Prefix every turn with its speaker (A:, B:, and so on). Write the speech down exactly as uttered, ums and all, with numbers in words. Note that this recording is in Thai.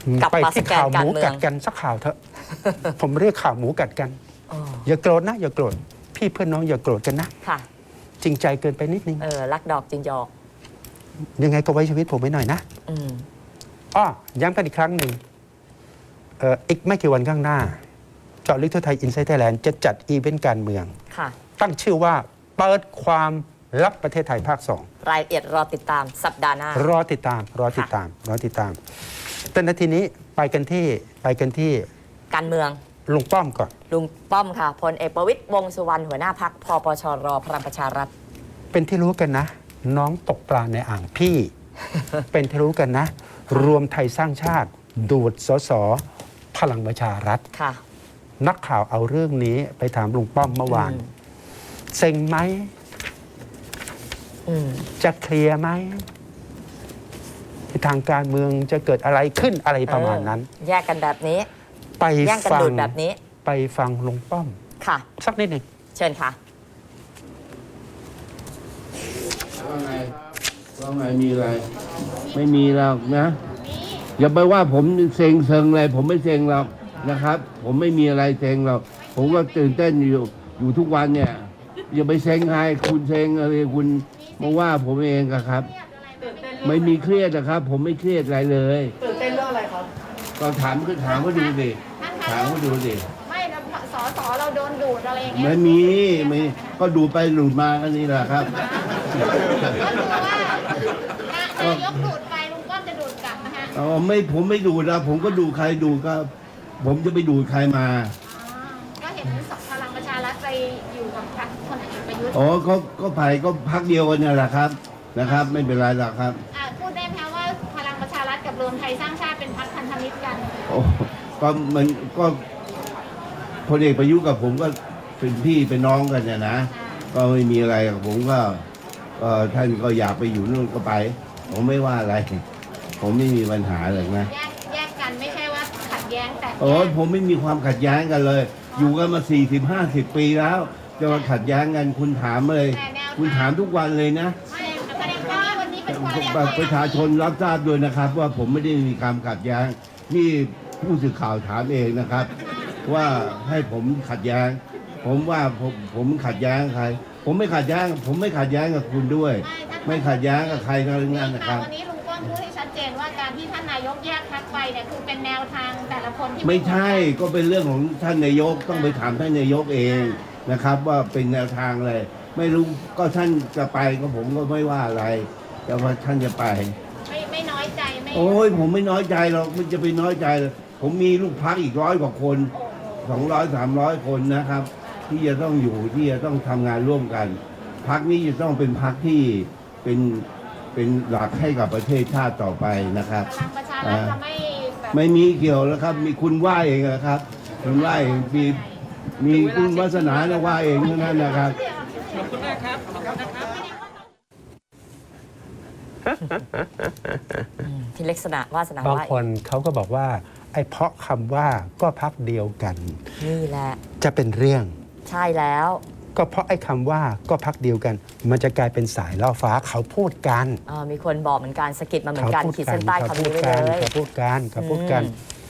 A: กลับ
B: ไป
A: มาส
B: ที่
A: แกน
B: ข่าวห
A: การ
B: มู
A: เมือ
B: กั
A: ง
B: ดกันสักข่าวเถอะ ผมเรียกข่าวหมูกัดกัน
A: อ๋อ
B: อย่าโกรธนะอย่าโกรธพี่เพื่อนน้องอย่าโกรธกันนะ
A: ค่ะ
B: จริงใจเกินไปนิดนึง
A: เออรักดอกจริงหยอก
B: ยังไงก็ไว้ชีวิตผมไว้หน่อยนะ
A: อืม
B: อ้อย้ำกันอีกครั้งหนึ่งเอ่ออีกไม่กี่วันข้างหน้าเจาะลึกทั่วไทยอินไซต์ไทยแลนด์จะจัดอีเวนต์การเมือง
A: ค่ะ
B: ตั้งชื่อว่าเปิดความลับประเทศไทยภาคสอง
A: รายละเอียดรอติดตามสัปดาห์หน้าร
B: อติดตาม รอติดตาม รอติดตาม แต่นาทีนี้ไปกันที่ไปกันที่
A: การเมือง
B: ลุงป้อมก่อน
A: ลุงป้อมค่ะพลเอกประวิตรวงษ์สุวรรณหัวหน้าพักพปชรพลังประชารัฐ
B: เป็นที่รู้กันนะ น้องตกปลาในอ่างพี่ เป็นที่รู้กันนะ รวมไทยสร้างชาติ ดูดสสพลังประชารัฐ
A: ค่ะ
B: นักข่าวเอาเรื่องนี้ไปถามลุงป้อมเมื่อวาน
A: อืม
B: เซ็งไหม
A: อืม
B: จะเคลียร์ไหมทางการเมืองจะเกิดอะไรขึ้นอะไรประมาณนั้น
A: เออแยกกันแบบนี้
B: ไป
A: แย่งกัน
B: ฟั
A: ดู
B: ง
A: ดแบบนี้
B: ไปฟังลุงป้อม
A: ค่ะ
B: สักนิดหนึ่ง
A: เชิญค่ะ
C: ว่าไงว่าไงมีอะไร ไม่มีหรอกนะ อย่าไปว่าผมเซ็งเซิงอะไรผมไม่เซ็งหรอกนะครับ ผมไม่มีอะไรเซ็งหรอกผมก็ตื่นเต้นอยู่อยู่ทุกวันเนี่ย อย่าไปเซ็งใครคุณเซ็งอะไรคุณมาว่าผมเองอะครับ ไม่มีเครียดนะครับ ผมไม่เครียดอะไรเลย
D: ตื่นเต้นเรื่องอะไรครับ
C: ก็ถามก็ถามก็ดูดิถามก็ดูดิ
E: ไม่นะสอสอเราโดนดูดอะไรอย่างเงี้ย
C: ไม่มีไม่ก็ดูไปดูมาอันนี้แหละครับ
E: ก็คือว่านายกดูดไปลุงป้อมจะดูดกลับนะฮะ
C: อ๋อไม่ผมไม่ดูนะผมก็ดูใครดูก็ ผมจะไปดูใครมา
E: อ๋อก็เห็นพลังประชารัฐไปอยู่กับพรรคคนเอกประยุทธ์
C: อ๋อก็ก็ไปก็พักเดียวกันเนี่ยแหละครับนะครับ ไม่เป็นไรหรอกครับ
E: อ่าพูดได้ไหมคะว่าพลังประชารัฐกับรวมไทยสร้างชาติเป็นพรรคพันธมิตรกัน
C: โอ้ก็มันก็พลเอกประยุทธ์กับผมก็เป็นพี่เป็นน้องกันเนี่ยนะก็ไม่มีอะไรกับผมก็ก็ท่านก็อยากไปอยู่นู่นก็ไป ผมไม่ว่าอะไร ผมไม่มีปัญหาเลยนะ
E: แยกแยกกันไม่ใช่ว่าขัดแย้งแต่
C: โอ้ยผมไม่มีความขัดแย้งกันเลย อยู่กันมาสี่สิบห้าสิบปีแล้ว จะมาขัดแย้งกันคุณถามเลย คุณถามทุกวันเลยนะ
E: ไม่แสดงว่าวันนี้เป็นวันแรก
C: ประชาชนรับทราบด้วยนะครับ ว่าผมไม่ได้มีความขัดแย้งนี่ผู้สื่อข่าวถามเองนะครับ ว่าให้ผมขัดแย้ง ผมว่าผมผมขัดแย้งใคร ผมไม่ขัดแย้ง ผมไม่ขัดแย้งกับคุณด้วย ไม่ขัดแย้งกับใครทั้งนั้นนะครับ
E: วันนี้ลุงป้อมพูดให้ชัดเจนว่าการที่ท่านนายกแยกพรรคไปเนี่ยคือเป็นแนวทางแต่ละคนที่
C: ไม่ใช่ก็เป็นเรื่องของท่านนายกต้องไปถามท่านนายกเองนะครับ ว่าเป็นแนวทางอะไรไม่รู้ก็ท่านจะไปก็ผมก็ไม่ว่าอะไร แต่ว่าท่านจะไป
E: ไม่ไม่น้อยใจไม่
C: โอ้ยผมไม่น้อยใจหรอกมันจะไปน้อยใจเลยผมมีลูกพักอีกร้อยกว่าคนสองร้อยสามร้อยคนนะครับ ที่จะต้องอยู่ที่จะต้องทำงานร่วมกันพักนี้จะต้องเป็นพักที่เป็นเป็นหลักให้กับประเทศชาติต่อไปนะครับ
E: พลังประชารัฐจะไม่แบบ
C: ไม่มีเกี่ยวแล้วครับ มีคุณว่าเองนะครับ คุณว่าเองมีมีคุณวาสนาเนี่ยว่าเองเท่านั้นนะครับ
A: ที่ลักษณะวาสนา
B: บาง
A: ว่า
B: คนเขาก็บอกว่า ไอ้เพราะคำว่าก็พักเดียวกัน
A: นี่แหละ
B: จะเป็นเรื่อง
A: ใช่แล้ว
B: ก็เพราะไอ้คำว่าก็พักเดียวกัน มันจะกลายเป็นสายล่อฟ้าเขาพูดกัน
A: เอ่อมีคนบอกเหมือนกันสะกิดมาเหมือนกัน
B: พูด
A: ขีดเส้นใต้
B: เขา
A: คำ
B: พู
A: นี้
B: ด
A: ไว้
B: กัน
A: เลย
B: เขาพูดกันเขาพูดกัน
A: อืม